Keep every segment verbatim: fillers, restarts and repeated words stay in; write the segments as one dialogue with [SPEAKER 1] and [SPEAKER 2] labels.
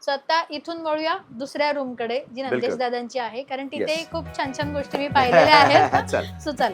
[SPEAKER 1] So आता इथून वळूया दुसऱ्या रूम कडे जी नंदेश
[SPEAKER 2] बिलकुल.
[SPEAKER 1] दादांची आहे, कारण तिथे
[SPEAKER 2] Yes.
[SPEAKER 1] खूप छान छान गोष्टी मी पाहिलेल्या आहेत.
[SPEAKER 2] चल.
[SPEAKER 1] सो चल,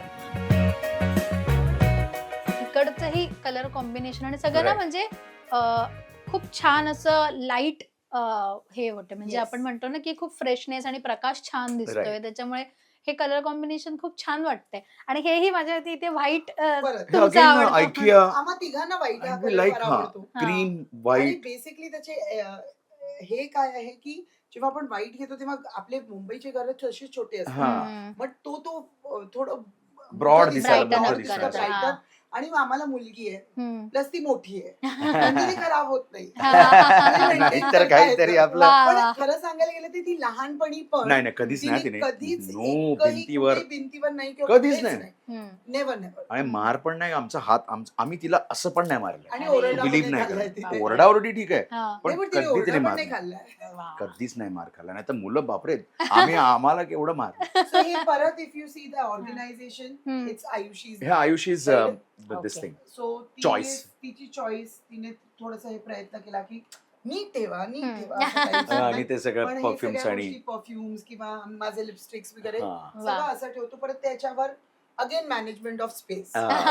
[SPEAKER 1] इकडचंही कलर कॉम्बिनेशन आणि सगळं ना
[SPEAKER 2] Right.
[SPEAKER 1] म्हणजे अं, खूप छान असं लाईट हे होते, म्हणजे
[SPEAKER 3] Yes.
[SPEAKER 1] आपण म्हणतो ना की खूप फ्रेशनेस आणि प्रकाश छान दिसतोय,
[SPEAKER 2] Right.
[SPEAKER 1] त्याच्यामुळे हे कलर कॉम्बिनेशन खूप छान वाटतंय. आणि हेही माझ्या इथे व्हाईट
[SPEAKER 3] परत.
[SPEAKER 1] तुमचं
[SPEAKER 2] Again,
[SPEAKER 1] आवडतं.
[SPEAKER 2] IKEA.
[SPEAKER 3] आम्हा तिघांना व्हाईट हा
[SPEAKER 2] And we
[SPEAKER 3] कलर
[SPEAKER 2] like
[SPEAKER 3] फार
[SPEAKER 2] हा
[SPEAKER 3] आवडतो.
[SPEAKER 1] हा.
[SPEAKER 2] क्रीम
[SPEAKER 3] आणि
[SPEAKER 2] व्हाईट.
[SPEAKER 3] बेसिकली त्याचे अ, हे काय आहे की जेव्हा आपण व्हाईट घेतो तेव्हा आपले मुंबईचे घर तसे छोटे असतात.
[SPEAKER 2] हा.
[SPEAKER 1] हम्म.
[SPEAKER 3] बट तो तो अ, थोडं
[SPEAKER 2] Broad
[SPEAKER 3] मोठं
[SPEAKER 2] दिसायला,
[SPEAKER 3] दिसतं,
[SPEAKER 1] Brighten
[SPEAKER 3] broad
[SPEAKER 1] up
[SPEAKER 3] दिसतं,
[SPEAKER 1] करतं,
[SPEAKER 3] brighten.
[SPEAKER 1] हा.
[SPEAKER 3] आणि आम्हाला मुलगी आहे
[SPEAKER 1] हम्म.
[SPEAKER 3] प्लस ती मोठी आहे म्हणजे ती खराब होत नाही.
[SPEAKER 1] हा, हा, हा, हा.
[SPEAKER 3] maintain
[SPEAKER 2] नाहीतर
[SPEAKER 3] करता
[SPEAKER 2] काहीतरी
[SPEAKER 3] येतं.
[SPEAKER 2] आपलं
[SPEAKER 1] वा,
[SPEAKER 3] पण
[SPEAKER 1] वा.
[SPEAKER 3] खरं सांगायला गेलं तर ती लहानपणी पण
[SPEAKER 2] नाही नाही कधीच नाही
[SPEAKER 3] तिने
[SPEAKER 2] तिने
[SPEAKER 3] कधीच
[SPEAKER 2] नो
[SPEAKER 3] एकही
[SPEAKER 2] भिंतीवर
[SPEAKER 3] कुठेही भिंतीवर नाही किंवा
[SPEAKER 2] कधीच
[SPEAKER 3] कुठेच
[SPEAKER 2] नाही.
[SPEAKER 1] हम्म.
[SPEAKER 3] Never never.
[SPEAKER 2] आणि मार पण नाही आमचा हात आमचा- आम्ही तिला असं पण नाही मारलं.
[SPEAKER 3] आणि
[SPEAKER 1] अरे.
[SPEAKER 3] ओरडा पण
[SPEAKER 2] बिलीव्ह
[SPEAKER 3] नाही
[SPEAKER 2] नाही
[SPEAKER 3] खाल्लाय
[SPEAKER 2] करत.
[SPEAKER 3] तिने.
[SPEAKER 2] ओरडाओरडी ठीक आहे
[SPEAKER 1] हा.
[SPEAKER 3] नाही,
[SPEAKER 2] पण
[SPEAKER 3] पण तिने
[SPEAKER 2] कधी तिने
[SPEAKER 3] ओरडा पण
[SPEAKER 2] मार
[SPEAKER 3] नाही
[SPEAKER 2] नाही.
[SPEAKER 3] खाल्लाय.
[SPEAKER 1] वा.
[SPEAKER 2] कधीच नाही मार खाल्ला, नाही तर मुलं बापरे आम्ही आम्हाला केवढं मार.
[SPEAKER 3] So हे परत if you see the organisation
[SPEAKER 1] hmm.
[SPEAKER 3] It's Ayushi.
[SPEAKER 2] हे Ayush is this
[SPEAKER 1] Okay.
[SPEAKER 2] Thing
[SPEAKER 3] so
[SPEAKER 2] Choice.
[SPEAKER 3] तिची चॉईस तिने थोडंसं हे प्रयत्न केला की नीट ठेवा नीट
[SPEAKER 1] हम्म.
[SPEAKER 3] ठेवा असं काहीच
[SPEAKER 2] आणि
[SPEAKER 3] नाही.
[SPEAKER 2] ते सगळं
[SPEAKER 3] पण हे
[SPEAKER 2] परफ्युम्स
[SPEAKER 3] सगळ्या
[SPEAKER 2] आणि
[SPEAKER 3] गोष्टी परफ्युम्स किंवा माझे लिपस्टिक्स वगैरे
[SPEAKER 2] हा.
[SPEAKER 3] सगळं असं ठेवतो. परत त्याच्यावर अगेन मॅनेजमेंट ऑफ स्पेस.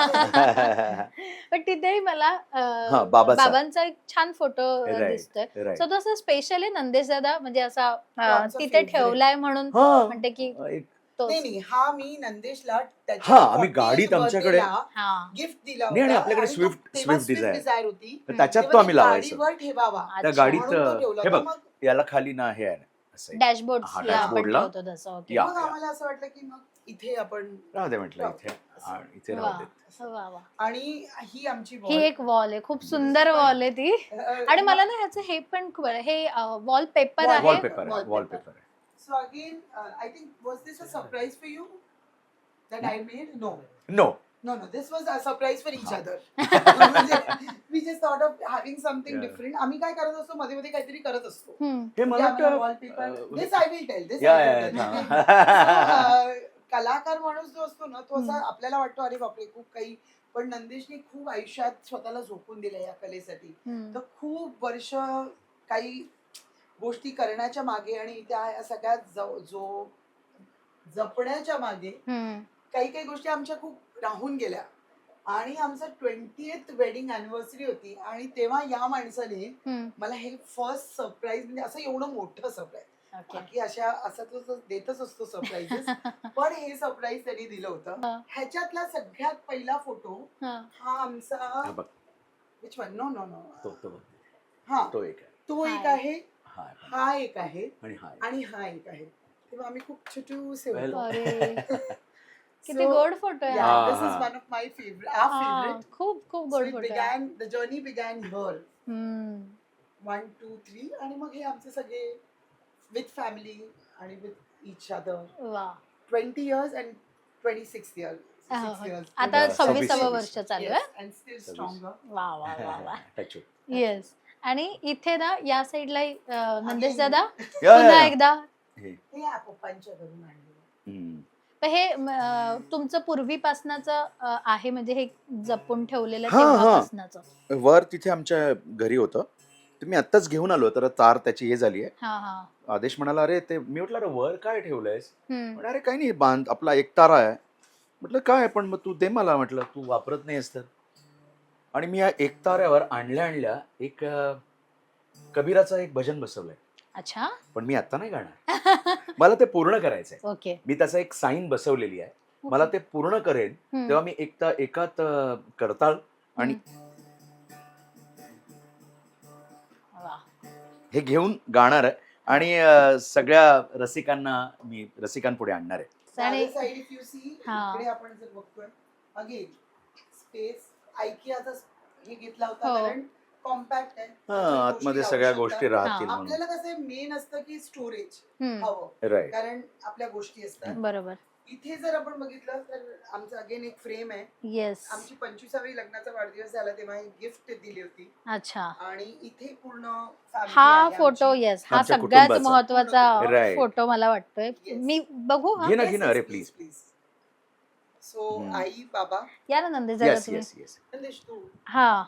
[SPEAKER 2] हा.
[SPEAKER 1] पण तिथेही मला अं,
[SPEAKER 2] हा, बाबाचा.
[SPEAKER 1] बाबांचा एक छान फोटो
[SPEAKER 2] Right,
[SPEAKER 1] दिसतोय.
[SPEAKER 2] right.
[SPEAKER 1] सो तसं स्पेशल आहे नंदेश दादा, म्हणजे असा अं,
[SPEAKER 3] आमचा
[SPEAKER 1] तिथे
[SPEAKER 3] favorite.
[SPEAKER 1] ठेवलाय म्हणून
[SPEAKER 2] हा.
[SPEAKER 1] म्हणते की
[SPEAKER 2] एक-
[SPEAKER 1] तोच.
[SPEAKER 3] नाही नाही हा मी नंदेशला
[SPEAKER 2] हा, आम्ही गाडीत आमच्याकडे-
[SPEAKER 1] हा.
[SPEAKER 3] गिफ्ट दिला
[SPEAKER 2] नाही, आणि
[SPEAKER 3] होता.
[SPEAKER 2] आपल्याकडे
[SPEAKER 3] आणि तो
[SPEAKER 2] Swift-
[SPEAKER 3] तेव्हा
[SPEAKER 2] Swift
[SPEAKER 3] Swift
[SPEAKER 2] Desire.
[SPEAKER 3] Desire होती.
[SPEAKER 2] तर त्याच्यात
[SPEAKER 3] तेव्हा
[SPEAKER 2] तो
[SPEAKER 3] ती
[SPEAKER 2] आम्ही लावायचो
[SPEAKER 3] गाडीवर ठेवावा.
[SPEAKER 2] त्या
[SPEAKER 1] अच्छा.
[SPEAKER 2] गाडीत
[SPEAKER 3] म्हणून तो ठेवला
[SPEAKER 2] हे
[SPEAKER 3] होता.
[SPEAKER 2] बघ
[SPEAKER 3] मग
[SPEAKER 2] याला खाली ना हे आहे असं आहे.
[SPEAKER 1] डॅशबोर्ड
[SPEAKER 2] हा,
[SPEAKER 1] आपण
[SPEAKER 2] dashboard ला.
[SPEAKER 1] ठेवतो तसं. ओके.
[SPEAKER 2] या.
[SPEAKER 3] मग आम्हाला असं वाटलं की मग इथे आपण
[SPEAKER 2] राहू दे म्हटलं इथे आणि इथे
[SPEAKER 1] वा.
[SPEAKER 2] राहू देत.
[SPEAKER 1] वा, वा.
[SPEAKER 3] आणि ही आमची
[SPEAKER 1] ही एक वॉल आहे, खूप सुंदर वॉल आहे ती. आणि मला ना ह्याचं हे पण खूप आहे, हे वॉल पेपर
[SPEAKER 3] Wall-
[SPEAKER 1] आहे.
[SPEAKER 2] वॉलपेपर आहे
[SPEAKER 3] Wallpaper.
[SPEAKER 2] वॉलपेपर आहे.
[SPEAKER 3] So again I think was this a surprise for you that I made no
[SPEAKER 2] no
[SPEAKER 3] No, no, this was a surprise for each other. म्हणजे we just thought of having something
[SPEAKER 2] Yeah.
[SPEAKER 3] different. आम्ही काय करत असतो मध्ये मध्ये काहीतरी करत असतो.
[SPEAKER 1] हम्म.
[SPEAKER 2] हे मला वाटतं
[SPEAKER 3] wallpaper
[SPEAKER 2] uh,
[SPEAKER 3] this I will tell this
[SPEAKER 2] yeah, yeah, या,
[SPEAKER 3] uh, कलाकार माणूस जो असतो ना तो असा
[SPEAKER 1] हम्म.
[SPEAKER 3] आपल्याला वाटतो अरे बापरे खूप काही, पण नंदेशने खूप आयुष्यात स्वतःला झोकून दिलं या कलेसाठी.
[SPEAKER 1] हम्म.
[SPEAKER 3] तर खूप वर्ष काही गोष्टी करण्याच्या मागे आणि त्या या सगळ्या जो जो जपण्याच्या मागे
[SPEAKER 1] हम्म.
[SPEAKER 3] काही काही गोष्टी आमच्या खूप राहून गेल्या. आणि आमचं ट्वेंटीएथ वेडिंग अॅनिव्हर्सरी होती आणि तेव्हा या माणसाने
[SPEAKER 1] हम्म.
[SPEAKER 3] मला हे फर्स्ट सरप्राईज, म्हणजे असं एवढं मोठं सरप्राईज,
[SPEAKER 1] ओके.
[SPEAKER 3] बाकी अशा असं तो देतच असतो सरप्राईजेस, पण हे सरप्राईज त्यांनी दिलं होतं.
[SPEAKER 1] हा.
[SPEAKER 3] ह्याच्यातला सगळ्यात पहिला फोटो
[SPEAKER 1] हा.
[SPEAKER 3] हा आमचा
[SPEAKER 2] हा बघ
[SPEAKER 3] which one no no no
[SPEAKER 2] तो तो
[SPEAKER 3] हा
[SPEAKER 2] तो एक आहे
[SPEAKER 3] तो एक
[SPEAKER 1] हा.
[SPEAKER 3] आहे,
[SPEAKER 2] हा आहे पण.
[SPEAKER 3] हा एक आहे
[SPEAKER 2] आणि हा आहे.
[SPEAKER 3] आणि हा एक आहे. तेव्हा आम्ही खूप छोटूसे
[SPEAKER 2] Well,
[SPEAKER 3] होतो.
[SPEAKER 1] अरे किती
[SPEAKER 3] So,
[SPEAKER 1] गोड फोटो आहे.
[SPEAKER 3] Yeah,
[SPEAKER 2] हा,
[SPEAKER 3] this is
[SPEAKER 2] हा.
[SPEAKER 3] one of my favorite, our
[SPEAKER 1] हा,
[SPEAKER 3] favorite.
[SPEAKER 1] खूप खूप
[SPEAKER 3] So
[SPEAKER 1] गोड
[SPEAKER 3] it
[SPEAKER 1] फोटो आहे.
[SPEAKER 3] began, the journey began here.
[SPEAKER 1] हम्म.
[SPEAKER 3] One, two, three. आणि मग हे आमचे सगळे विथ फॅमिली आणि विथ इच अदर.
[SPEAKER 1] वा.
[SPEAKER 3] Twenty years and twenty six years.
[SPEAKER 1] हो,
[SPEAKER 3] सिक्स
[SPEAKER 1] हो.
[SPEAKER 3] इयर्स.
[SPEAKER 1] आता
[SPEAKER 2] सव्वीस,
[SPEAKER 1] सव्वीसावं
[SPEAKER 2] सव्वीस.
[SPEAKER 1] वर्ष चालू आहे.
[SPEAKER 3] अँड स्टील
[SPEAKER 2] सव्वीस.
[SPEAKER 3] स्ट्रॉंगर.
[SPEAKER 1] वा वा वा वा.
[SPEAKER 2] Touch wood.
[SPEAKER 1] येस. आणि इथे ना या साईडला नंदेश दादा
[SPEAKER 2] या, या,
[SPEAKER 1] पुन्हा
[SPEAKER 2] या.
[SPEAKER 1] एकदा
[SPEAKER 2] हे.
[SPEAKER 3] हे या पप्पांच्या घरून आणलं.
[SPEAKER 2] हम्म.
[SPEAKER 1] पण हे अं, तुमचं पूर्वीपासनाच आहे, म्हणजे हे जपून ठेवलेलं
[SPEAKER 2] हा, हा.
[SPEAKER 1] तेव्हापासनाचं.
[SPEAKER 2] वर तिथे आमच्या घरी होतं तर मी आत्ताच घेऊन आलो, तर तार त्याची हे झाली आहे.
[SPEAKER 1] हा हा.
[SPEAKER 2] आदेश म्हणाला अरे ते, मी म्हटलं अरे वर काय ठेवलंयस?
[SPEAKER 1] हम्म.
[SPEAKER 2] म्हणे, अरे काही नाही बांध आपला एक तारा आहे. म्हटलं काय, पण मग तू दे मला, म्हटलं तू वापरत नाहीस तर. आणि मी या एक ताऱ्यावर आणल्या आणल्या एक अं, कबीराचं एक भजन बसवलंय,
[SPEAKER 1] अच्छा.
[SPEAKER 2] पण मी आता नाही गाणार, मला ते पूर्ण करायचंय.
[SPEAKER 1] ओके.
[SPEAKER 2] मी त्याचा एक साईन बसवलेली आहे, मला ते पूर्ण करेन
[SPEAKER 1] हम्म.
[SPEAKER 2] तेव्हा मी एकता एकात अं, करताळ आणि
[SPEAKER 1] वा.
[SPEAKER 2] हे घेऊन गाणार आहे आणि अं, सगळ्या रसिकांना मी रसिकांपुढे आणणार आहे.
[SPEAKER 1] आणि
[SPEAKER 3] साईड इफ यू सी,
[SPEAKER 1] हा.
[SPEAKER 3] इकडे आपण जर बघतोय अगेन स्पेस आयकियाचा हे घेतला होता,
[SPEAKER 1] हो.
[SPEAKER 3] कारण कॉम्पॅक्ट आहे.
[SPEAKER 2] हा,
[SPEAKER 3] त्याच्यात
[SPEAKER 2] आतमध्ये
[SPEAKER 3] गोष्टी
[SPEAKER 2] सगळ्या
[SPEAKER 3] लावू
[SPEAKER 2] गोष्टी
[SPEAKER 3] शकतात.
[SPEAKER 2] राहतील म्हणून.
[SPEAKER 3] आपल्याला कसं मेन असतं की स्टोरेज
[SPEAKER 1] हम्म.
[SPEAKER 3] हवं,
[SPEAKER 2] राईट.
[SPEAKER 3] कारण आपल्या गोष्टी असतात.
[SPEAKER 1] बरोबर.
[SPEAKER 3] इथे जर आपण बघितलं तर आमचं अगेन एक फ्रेम आहे.
[SPEAKER 1] येस.
[SPEAKER 3] आमची पंचवीसावी लग्नाचा वाढदिवस झाला तेव्हा एक गिफ्ट दिली होती.
[SPEAKER 1] अच्छा.
[SPEAKER 3] आणि इथे पूर्ण family
[SPEAKER 1] हा
[SPEAKER 3] आहे
[SPEAKER 1] फोटो,
[SPEAKER 3] आमची.
[SPEAKER 1] येस, हा
[SPEAKER 2] आमच्या
[SPEAKER 1] सगळ्यात
[SPEAKER 2] कुटुंबाचा.
[SPEAKER 1] महत्वाचा
[SPEAKER 2] Right.
[SPEAKER 1] फोटो मला वाटतोय.
[SPEAKER 3] Yes.
[SPEAKER 1] मी बघू हा.
[SPEAKER 2] घे ना
[SPEAKER 3] Yes,
[SPEAKER 2] घे ना
[SPEAKER 3] yes,
[SPEAKER 2] अरे
[SPEAKER 3] please,
[SPEAKER 2] प्लीज.
[SPEAKER 3] please. सो
[SPEAKER 2] हम्म.
[SPEAKER 3] आई बाबा
[SPEAKER 1] या ना नंदेश दादा
[SPEAKER 2] येस
[SPEAKER 1] तुम्ही.
[SPEAKER 2] Yes yes.
[SPEAKER 3] नंदेश तू
[SPEAKER 1] हा.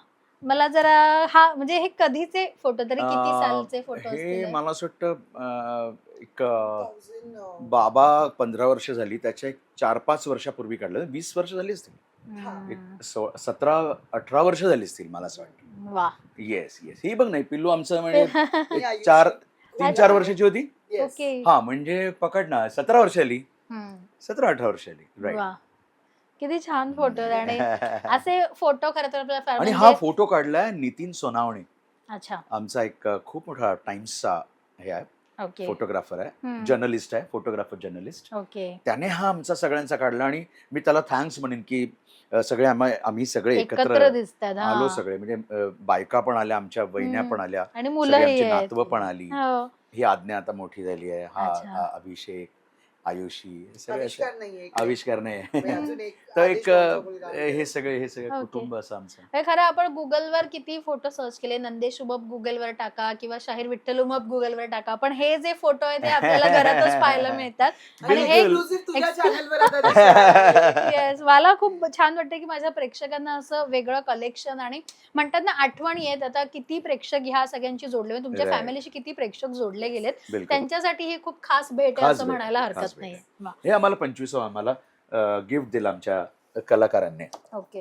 [SPEAKER 1] मला जरा हा म्हणजे हे कधीचे फोटो तरी किती
[SPEAKER 2] अं,
[SPEAKER 1] सालचे फोटो
[SPEAKER 2] हे
[SPEAKER 1] असतील हे?
[SPEAKER 2] मला असं वाटतं अं, एक अं,
[SPEAKER 3] Thousand, अं,
[SPEAKER 2] बाबा पंधरा वर्ष झाली त्याच्या एक चार पाच वर्षापूर्वी काढलं वीस वर्ष झाली असतील
[SPEAKER 1] हम्म.
[SPEAKER 2] एक सो- सतरा अठरा वर्ष झाली असतील मला असं वाटतं
[SPEAKER 1] वा
[SPEAKER 2] येस येस ही बघ नाही पिल्लू आमचं म्हणजे
[SPEAKER 3] आणि
[SPEAKER 2] एक
[SPEAKER 3] आयुष्य.
[SPEAKER 2] चार तीन चार
[SPEAKER 3] अच्छा.
[SPEAKER 2] वर्षाची होती
[SPEAKER 3] Yes.
[SPEAKER 1] ओके
[SPEAKER 2] हा म्हणजे पकड ना सतरा वर्ष आली
[SPEAKER 1] हम्म.
[SPEAKER 2] सतरा अठरा वर्ष आली
[SPEAKER 1] वा
[SPEAKER 2] राईट
[SPEAKER 1] किती छान फोटो आणि असे फोटो खरं तर आपल्या
[SPEAKER 2] आणि
[SPEAKER 1] family
[SPEAKER 2] हा
[SPEAKER 1] म्हणजे-
[SPEAKER 2] फोटो काढलाय नितीन सोनावणे
[SPEAKER 1] अच्छा
[SPEAKER 2] आमचा एक अ, खूप मोठा टाइम्सचा हे आहे
[SPEAKER 1] ओके
[SPEAKER 2] फोटोग्राफर आहे
[SPEAKER 1] हम्म.
[SPEAKER 2] जर्नलिस्ट आहे फोटोग्राफर जर्नलिस्ट
[SPEAKER 1] ओके
[SPEAKER 2] त्याने हा आमचा सगळ्यांचा काढला आणि मी त्याला थँक्स म्हणेन की अ, सगळे आम्हा आम्ही सगळे
[SPEAKER 1] एकत्र
[SPEAKER 2] एकत्र
[SPEAKER 1] दिसतात हा.
[SPEAKER 2] आलो सगळे म्हणजे अ, बायका पण आल्या आमच्या वहिन्या
[SPEAKER 1] हम्म.
[SPEAKER 2] पण आल्या
[SPEAKER 1] आणि
[SPEAKER 2] सगळी
[SPEAKER 1] मुलंही
[SPEAKER 2] आमची
[SPEAKER 1] आहेत.
[SPEAKER 2] नातवं पण आली
[SPEAKER 1] हो.
[SPEAKER 2] ही आज्ञा आता मोठी झाली आहे हा
[SPEAKER 1] अच्छा.
[SPEAKER 2] अ, अभिषेक आयुषी हे सगळे असे-
[SPEAKER 3] आविष्कार नाहीये इकडे.
[SPEAKER 2] आविष्कार नाही
[SPEAKER 3] म्हणजे अजून एक
[SPEAKER 2] तर
[SPEAKER 3] आदेश
[SPEAKER 2] एक
[SPEAKER 3] भाऊचा
[SPEAKER 2] अ,
[SPEAKER 3] मुलगा
[SPEAKER 2] हे
[SPEAKER 3] आहे.
[SPEAKER 2] सगळे हे सगळे
[SPEAKER 1] ओके.
[SPEAKER 2] कुटुंब असं आमचं
[SPEAKER 1] हे खरं आपण गुगलवर किती फोटो सर्च केले नंदेश उमप गुगलवर टाका किंवा शाहीर विठ्ठल उमप गुगलवर टाका पण हे जे फोटो आहे ते आपल्याला घरातच पाहायला मिळतात आणि हे
[SPEAKER 2] बिलकुल.
[SPEAKER 3] Exclusive तुझ्या
[SPEAKER 1] Ex-
[SPEAKER 3] चॅनलवर आता दिसणार आहे.
[SPEAKER 1] येस मला खूप छान वाटतं की माझ्या प्रेक्षकांना असं वेगळं कलेक्शन आणि म्हणतात ना आठवणी आहेत आता किती प्रेक्षक ह्या सगळ्यांची जोडले म्हणजे तुमच्या
[SPEAKER 2] Right.
[SPEAKER 1] फॅमिलीशी किती प्रेक्षक जोडले गेलेत
[SPEAKER 2] बिलकुल
[SPEAKER 1] त्यांच्यासाठी ही खूप खास भेट आहे
[SPEAKER 2] खास
[SPEAKER 1] असं
[SPEAKER 2] भेट
[SPEAKER 1] म्हणायला
[SPEAKER 2] आहे, खास
[SPEAKER 1] हरकत
[SPEAKER 2] भेट
[SPEAKER 1] नाहीये
[SPEAKER 2] आहे.
[SPEAKER 1] वा.
[SPEAKER 2] हे आम्हाला पंचवीस आम्हाला गिफ्ट दिलं आमच्या कलाकारांनी
[SPEAKER 1] ओके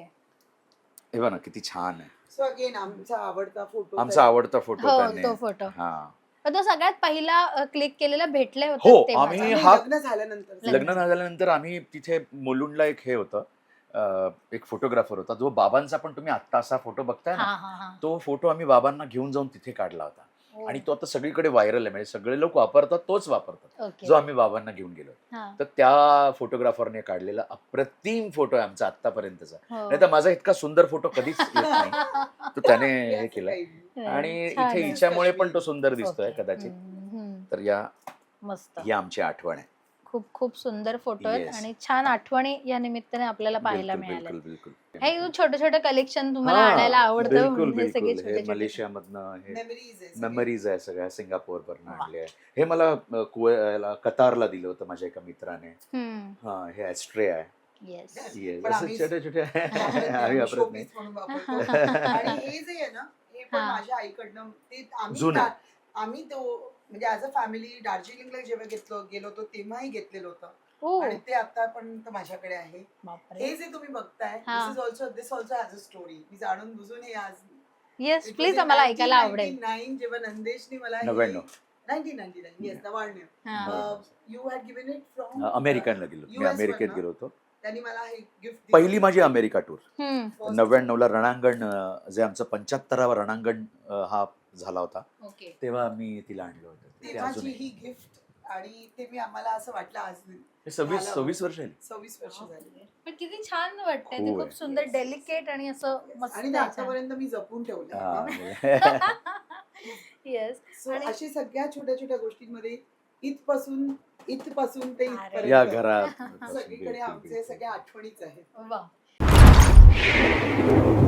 [SPEAKER 2] हे बघा ना किती छान आहे
[SPEAKER 3] So again, आमचा आवडता फोटो
[SPEAKER 2] आमचा आवडता फोटो
[SPEAKER 1] हो
[SPEAKER 2] त्याने
[SPEAKER 1] तो फोटो
[SPEAKER 2] हा
[SPEAKER 1] पण तो सगळ्यात पहिला क्लिक केलेला भेटले होते
[SPEAKER 2] हो,
[SPEAKER 1] तेव्हा.
[SPEAKER 2] आम्ही
[SPEAKER 3] आणि
[SPEAKER 2] हा-
[SPEAKER 3] लग्न झाल्यानंतर
[SPEAKER 1] लग्न.
[SPEAKER 2] लग्न झाल्यानंतर आम्ही तिथे मुलुंडला एक हे होतं अं, एक फोटोग्राफर होता जो बाबांचा पण तुम्ही आत्ता असा फोटो बघताय
[SPEAKER 1] हा
[SPEAKER 2] ना
[SPEAKER 1] हा हा
[SPEAKER 2] तो फोटो आम्ही बाबांना घेऊन जाऊन तिथे काढला होता
[SPEAKER 1] हो.
[SPEAKER 2] आणि तो आता सगळीकडे व्हायरल आहे म्हणजे सगळे लोक वापरतात तोच वापरतात
[SPEAKER 1] ओके
[SPEAKER 2] जो आम्ही बाबांना घेऊन गेलो
[SPEAKER 1] हा.
[SPEAKER 2] तर त्या फोटोग्राफरने काढलेला अप्रतिम फोटो आहे आमचा आतापर्यंतचा
[SPEAKER 1] हो.
[SPEAKER 2] नाही तर माझा इतका सुंदर फोटो कधीच येत नाही तो त्याने हे
[SPEAKER 3] असं
[SPEAKER 2] केलंय
[SPEAKER 3] काही.
[SPEAKER 2] आणि
[SPEAKER 1] छान
[SPEAKER 2] इथे
[SPEAKER 1] आहे.
[SPEAKER 2] हिच्यामुळे पण तो सुंदर दिसतोय
[SPEAKER 1] ओके.
[SPEAKER 2] कदाचित
[SPEAKER 1] हम्म, हम्म.
[SPEAKER 2] तर या
[SPEAKER 1] मस्त
[SPEAKER 2] ही आमची आठवण आहे
[SPEAKER 1] खूप खूप सुंदर फोटो आहेत
[SPEAKER 2] Yes.
[SPEAKER 1] आणि छान आठवणी या निमित्ताने आपल्याला पाहायला
[SPEAKER 2] बिलकुल
[SPEAKER 1] मिळाल्या
[SPEAKER 2] बिलकुल बिलकुल
[SPEAKER 1] हे छोटे छोटे कलेक्शन तुम्हाला
[SPEAKER 2] हा,
[SPEAKER 1] आणायला आवडतं
[SPEAKER 2] बिलकुल
[SPEAKER 1] म्हणजे सगळे
[SPEAKER 2] बिलकुल
[SPEAKER 1] छोटे
[SPEAKER 2] हे
[SPEAKER 1] छोटे
[SPEAKER 2] मलेशियामधनं हे
[SPEAKER 3] Memories आहे सगळे.
[SPEAKER 2] मेमरीज आहे सगळ्या सिंगापोर वरनं
[SPEAKER 1] वा.
[SPEAKER 2] आणले आहे हे मला अ, कुवे- कतारला दिलं होतं माझ्या एका मित्राने
[SPEAKER 1] हम्म
[SPEAKER 2] हा हे ॲस्ट्रे आहे
[SPEAKER 1] येस
[SPEAKER 2] Yes,
[SPEAKER 3] पण
[SPEAKER 2] असं
[SPEAKER 3] आम्ही-
[SPEAKER 2] छोटे छोटे
[SPEAKER 3] वापरत नाही,
[SPEAKER 2] आम्ही
[SPEAKER 3] आम्ही
[SPEAKER 2] वापरत नाही
[SPEAKER 3] showpiece म्हणून वापरतो. आणि हे जे आहे ना हे पण
[SPEAKER 1] हा.
[SPEAKER 3] माझ्या आईकडनं ते आम्ही
[SPEAKER 2] जुनं.
[SPEAKER 3] दा- आम्ही तो म्हणजे ऍज अ फॅमिली दार्जिलिंगला जेव्हा घेतलो गेलो होतो तेव्हाही घेतलेलं होतं
[SPEAKER 1] ओ
[SPEAKER 3] आणि ते आतापर्यंत माझ्याकडे आहे
[SPEAKER 1] बापरे
[SPEAKER 3] हे जे तुम्ही बघताय
[SPEAKER 1] हा.
[SPEAKER 3] This is also this also has a story मी जाणून बुजून हे आज
[SPEAKER 1] yes
[SPEAKER 3] It was
[SPEAKER 1] please
[SPEAKER 3] in
[SPEAKER 1] आम्हाला ऐकायला आवडेल
[SPEAKER 3] nineteen ninety-nine जेव्हा नंदेशनी मला
[SPEAKER 2] नव्याण्णव.
[SPEAKER 3] नाईन्टीन नाईन्टी नाईन येस नव्याण्णव
[SPEAKER 1] हा.
[SPEAKER 3] You had given it from
[SPEAKER 2] अमेरिकनला गेलो मी
[SPEAKER 3] US
[SPEAKER 2] अमेरिकेत
[SPEAKER 3] वरनं.
[SPEAKER 2] गेलो होतो
[SPEAKER 3] त्यांनी मला हे गिफ्ट
[SPEAKER 2] पहिली माझी अमेरिका टूर
[SPEAKER 1] हम्म
[SPEAKER 2] नव्याण्णव ला रणांगण अ, जे आमचं पंच्याहत्तरावा रणांगण अ, हा झाला होता
[SPEAKER 1] ओके
[SPEAKER 2] तेव्हा मी तिला आणलं होतं ते
[SPEAKER 3] तेव्हाची
[SPEAKER 2] अजूनही
[SPEAKER 3] ही गिफ्ट आणि ते मी आम्हाला असं वाटलं आज
[SPEAKER 2] हे सव्वीस
[SPEAKER 3] झालं.
[SPEAKER 2] सव्वीस वर्ष झाली
[SPEAKER 3] सव्वीस वर्ष झाली
[SPEAKER 1] पण किती छान वाटतंय ते
[SPEAKER 2] खूप
[SPEAKER 1] खूप
[SPEAKER 2] आहे.
[SPEAKER 1] सुंदर डेलिकेट आणि असं मस्त
[SPEAKER 3] आणि ते आतापर्यंत मी जपून ठेवलं
[SPEAKER 2] हा.
[SPEAKER 1] येस
[SPEAKER 3] सो
[SPEAKER 1] आणि-
[SPEAKER 3] अशी सगळ्या छोट्या छोट्या गोष्टींमध्ये इथपासून इथपासून ते
[SPEAKER 1] अरे.
[SPEAKER 2] या
[SPEAKER 3] इथपर्यंत
[SPEAKER 2] घरात
[SPEAKER 3] सगळीकडे
[SPEAKER 2] बिलकुल,
[SPEAKER 3] आमचे
[SPEAKER 2] बिलकुल.
[SPEAKER 3] सगळ्या आठवणीच आहेत
[SPEAKER 1] वा